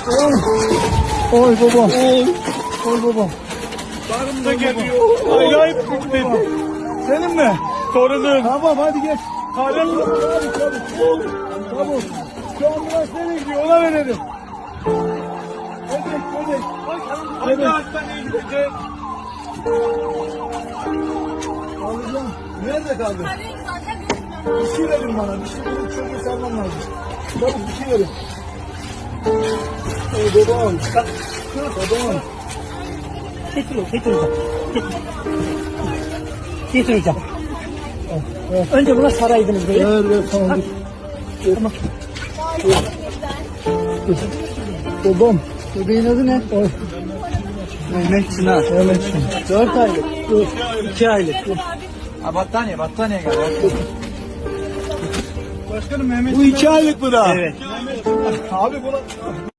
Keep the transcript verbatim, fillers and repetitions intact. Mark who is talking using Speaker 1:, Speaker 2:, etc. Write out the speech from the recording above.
Speaker 1: Oy. Oy babam. Oy. Oy babam.
Speaker 2: Karım da geliyor. Acayip dedi. Senin mi? Torunun.
Speaker 1: Tamam hadi geç.
Speaker 2: Karın.
Speaker 1: Hadi çabuk. Çabuk. Şu ambulans nereye gidiyor ona verelim. Bebek bebek.
Speaker 2: Hangi hastaneye gidecek?
Speaker 1: Alacağım. Nerede kaldı?
Speaker 3: Zaten bilmiyorum.
Speaker 1: Bir şey verin bana. Bir şey verin. Çocuğu salmam lazım. Çabuk bir şey verin. Oy babam. Babam.
Speaker 4: Getir, getir hocam. Getir. Getir hocam. Önce buna saraydınız böyle.
Speaker 1: Ver ver tamam. Dur.
Speaker 4: Tamam.
Speaker 1: Dur. Babam. Bebeğin adı ne? Oy.
Speaker 4: Mehmet Çınar.
Speaker 1: Mehmet Çınar. Dört aylık. Dur.
Speaker 4: İki aylık.
Speaker 2: Ha battaniye, battaniye gel. Başkanım Mehmet.
Speaker 1: Bu iki aylık mı daha?
Speaker 4: Evet.
Speaker 1: Abi buna...